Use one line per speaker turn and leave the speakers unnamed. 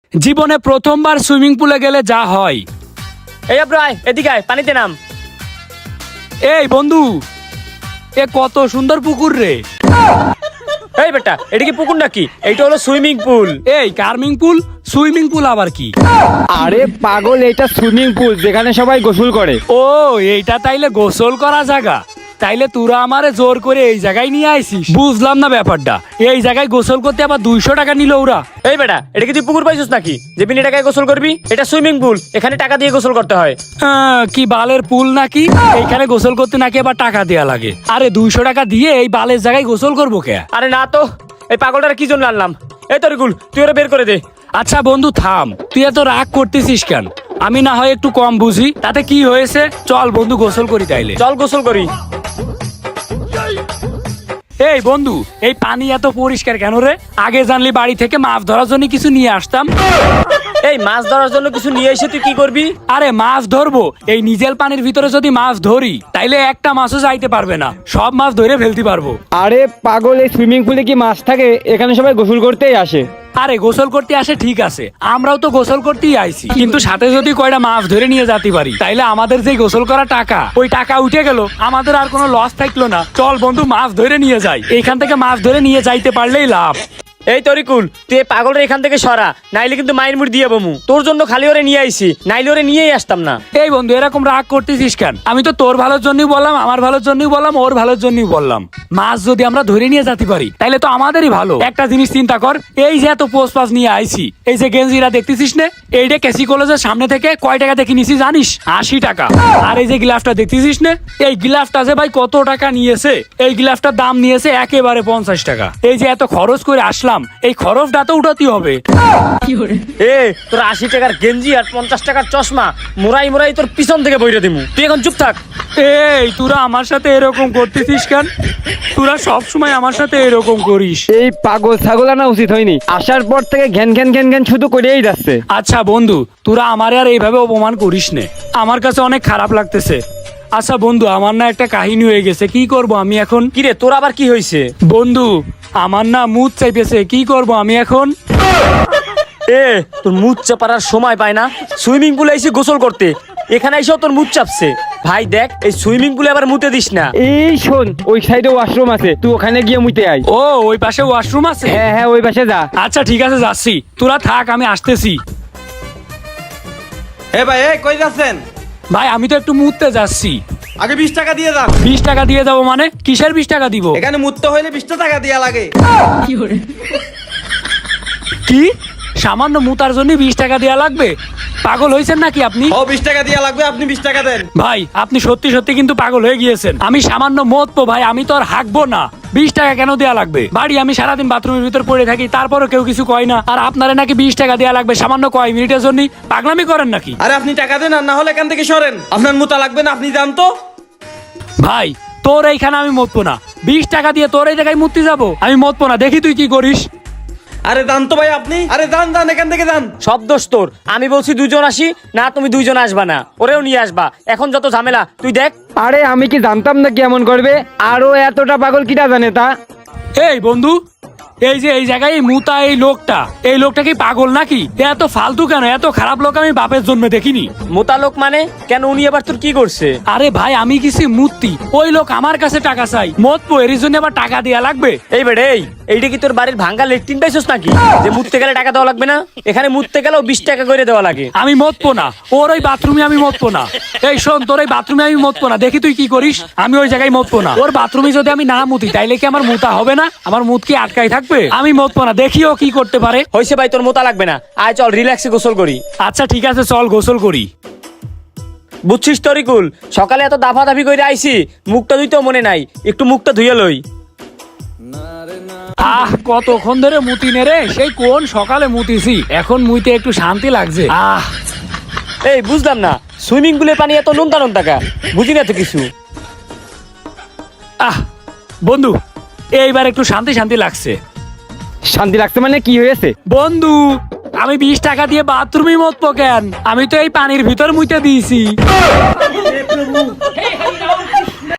জীবনে প্রথমবার সুইমিং পুলে গেলে যা হয়।
এই আব্রাই এদিকে আয়, পানিতে নাম।
এই বন্ধু, এ কত সুন্দর পুকুর রে।
এই বেটা, এটা কি পুকুর নাকি? এইটা হলো সুইমিং পুল।
এই কার্মিং পুল, সুইমিং পুল আবার কি?
আরে পাগল, এটা সুইমিং পুল যেখানে সবাই গোসল করে।
ও এইটা তাইলে গোসল করা জায়গা? তাইলে তোরা আমারে জোর করে এই জায়গায় নিয়ে আইছিস? বুঝলাম না ব্যাপারটা। এই জায়গায় গোসল করতে আবার 200 টাকা নিল ওরা।
এই বেটা, এটা কি তুই পুকুর পাইছিস নাকি যে বিনা টাকায় গোসল করবি? এটা সুইমিং পুল, এখানে টাকা দিয়ে গোসল করতে হয়।
কি বালের পুল নাকি? এইখানে গোসল করতে নাকি আবার টাকা দেয়া লাগে? আরে 200 টাকা দিয়ে এই বালের জায়গায় গোসল করবো কে?
আরে না তো, এই পাগলটার কি জন্য আনলাম? এই তরিকুল, তুই ওরা বের করে দে।
আচ্ছা বন্ধু থাম, তুই এত রাগ করতেছিস কেন? আমি না হয় একটু কম বুঝি, তাতে কি হয়েছে? চল বন্ধু গোসল করি তাইলে।
চল গোসল করি।
এই বন্ধু, এই পানি এত পরিষ্কার কেন রে? আগে জানলি বাড়ি থেকে মাছ ধরার জন্য কিছু নিয়ে আসতাম।
এই মাছ ধরার জন্য কিছু নিয়ে এসে তুই কি করবি?
আরে মাছ ধরবো, এই নিজের পানির ভিতরে যদি মাছ ধরি তাইলে একটা মাছও যাইতে পারবে না, সব মাছ ধরে ফেলতে পারবো।
আরে পাগল, এই সুইমিং পুলে কি মাছ থাকে? এখানে সবাই গোসল করতেই আসে।
আরে গোসল করতে আসে ঠিক আছে, আমরাও তো গোসল করতেই আইছি, কিন্তু সাথে যদি কয়টা মাছ ধরে নিয়ে যেতে পারি তাইলে আমাদের যে গোসল করা টাকা, ওই টাকা উঠে গেল, আমাদের আর কোনো লস থাকলো না। চল বন্ধু মাছ ধরে নিয়ে যাই, এখান থেকে মাছ ধরে নিয়ে যাইতে পারলেই লাভ।
এই তরিকুল, তুই এই পাগলটা এখান থেকে সরা, নাইলে কিন্তু মায়ের মুড় দিয়ে বমু। তোর জন্য খালি ওরে নিয়ে আইছি, নাইলে ওরে নিয়েই আসতাম না।
এই বন্ধু এরকম রাগ করতেছিস কেন? আমি তো তোর ভালোর জন্যই বললাম, আমার ভালোর জন্যই বললাম, ওর ভালোর জন্যই বললাম। মাছ যদি আমরা ধরে নিয়ে যেতে পারি তাইলে তো আমাদেরই ভালো। একটা জিনিস চিন্তা কর, এই যে এত পোস্ট পাস নিয়ে আইছি, এই যে গেঞ্জিরা দেখতেছিস না, এইটা কেসি কলেজের সামনে থেকে কয় টাকা দেখে নিছি জানিস? 80 টাকা। আর এই যে গ্লাভটা দেখতেছিস না, এই গ্লাভটা যে ভাই কত টাকা নিয়েছে? এই গ্লাভটার দাম নিয়েছে একেবারে 50 টাকা। এই যে এত খরচ করে আসলাম, এই খরচটা তো উঠাতে হবে।
এ তোর 80 টাকার গেঞ্জি আর 50 টাকার চশমা মোরাই মোরাই তোর পিছন থেকে বইরে দিমু। তুই এখন চুপ থাক।
এই তোরা আমার সাথে এরকম করতেছিস কেন? তোরা সব সময় আমার সাথে এরকম করিস।
এই পাগল ছাগল আনা উচিত হয়নি। আসার পর থেকে ঘ্যান ঘ্যান ঘ্যান ঘ্যান শুধু করেই যাচ্ছে।
আচ্ছা বন্ধু, তোরা আমারে আর এইভাবে অপমান করিস নে, আমার কাছে অনেক খারাপ লাগতেছে। আচ্ছা বন্ধু, আমার না একটা কাহিনী হয়ে গেছে, কি করব আমি এখন?
কিরে তোর আবার কি হয়েছে?
বন্ধু আমার না মুড চাইতেছে, কি করব আমি এখন?
এ তোর মুখ চাপার সময় পায় না, সুইমিং পুলে এসে গোসল করতে, এখানে এসেও তোর মুখ চাপছে। ভাই দেখ, এই সুইমিং পুলে আবার মুতে দিস না।
এই শোন, ওই সাইডে ওয়াশরুম আছে, তুই ওখানে গিয়ে মুতে আয়।
ও ওই পাশে ওয়াশরুম আছে?
হ্যাঁ হ্যাঁ, ওই পাশে যা।
আচ্ছা ঠিক আছে যাচ্ছি, তোরা থাক, আমি আসতেছি।
এ ভাই, এই কই যাচ্ছেন?
ভাই আমি তো একটু মুততে যাচ্ছি।
আগে 20 টাকা দিয়ে যান।
20 টাকা দিয়ে যাবো মানে? কিসের 20 টাকা দিব?
এখানে মুততে হইলে 20 টাকা দেয়া লাগে।
কি সামান্য মুতার জন্য 20 টাকা দেওয়া লাগবে? পাগল হয়েছেন নাকি আপনি?
ও 20 টাকা দেয়া লাগবে, আপনি 20 টাকা দেন।
ভাই আপনি সত্যি সত্যি কিন্তু পাগল হয়ে গিয়েছেন। আমি সামান্য মতবো ভাই, আমি তো আর হাঁকবো না। 20 টাকা কেন দেওয়া লাগবে? বাড়ি আমি সারাদিন বাথরুমের ভিতর পড়ে থাকি, তারপরও কেউ কিছু কয় না, আর আপনারা নাকি 20 টাকা দেওয়া লাগবে সামান্য কয় মিনিটের জন্য? পাগলামি করেন নাকি?
আরে আপনি টাকা দেন, আর না হলে এখান থেকে সরেন। আপনার মুতা লাগবে না, আপনি যান তো।
ভাই তোর এইখানে আমি মতবো না, 20 টাকা দিয়ে তোর এই জায়গায় মুক্তি যাবো? আমি মতবো না, দেখি তুই কি করিস।
আরে যান তো ভাই আপনি, আরে যান যান, এখান থেকে যান।
সব দোষ তোর। আমি বলছি 2 জন আসি না, তুমি 2 জন আসবা না, ওরেও নিয়ে আসবা। এখন যত ঝামেলা তুই দেখ।
আরে আমি কি জানতাম না কি এমন করবে? আরো এতটা পাগল কিটা জানে তা?
এই বন্ধু, এই যে এই জায়গায় এই মুতা এই লোকটা কি পাগল নাকি? এত ফালতু কেন? এত খারাপ লোক আমি বাপের জন্মে দেখিনি।
মোতা লোক মানে কেন? উনি আবার তোর কি করছে?
আরে ভাই আমি কিছু মূর্তি, ওই লোক আমার কাছে টাকা চাই, মতবো এর জন্য আবার টাকা দেয়া লাগবে?
এই বেড়ে, এইটা কি তোর বাড়ির ভাঙ্গা লেট্রিন পাইছস নাকি যে মুততে গেলে টাকা দেওয়া লাগবে না? এখানে মুততে গেলেও 20 টাকা করে দেওয়া লাগে।
আমি মতবো না, ওর ওই বাথরুমে আমি মতবো না। এই শোন, তোর ওই বাথরুমে আমি মতবো না, দেখি তুই কি করিস। আমি ওই জায়গায় মতবো না। ওর বাথরুমে যদি আমি না মুতি তাইলে কি আমার মুতা হবে না? আমার মুত কি আটকাই থাকবে? আমি মতবো না, দেখি ও কি করতে পারে।
হইছে ভাই, তোর মোতা লাগবে না, আয় চল রিল্যাক্সে গোসল করি।
আচ্ছা ঠিক আছে, চল গোসল করি।
বুঝছিস তরিকুল, সকালে এত দাফাদাফি করে আইছি, মুখটা ধুইতেও মনে নাই, একটু মুখটা ধুইয়া লই।
কতক্ষণ ধরে মুতি নে রে, সেই কোন সকালে মুতিছি, এখন মুইতে একটু শান্তি লাগছে।
এই বুঝলাম না, সুইমিং পুলের পানি এত নুনতা নুনতা, বুঝি না তো কিছু।
বন্ধু এইবার একটু শান্তি শান্তি লাগছে।
শান্তি লাগছে মানে কি হয়েছে?
বন্ধু আমি 20 টাকা দিয়ে বাথরুমে মতবো কেন? আমি তো এই পানির ভিতর মুইতে দিয়েছি।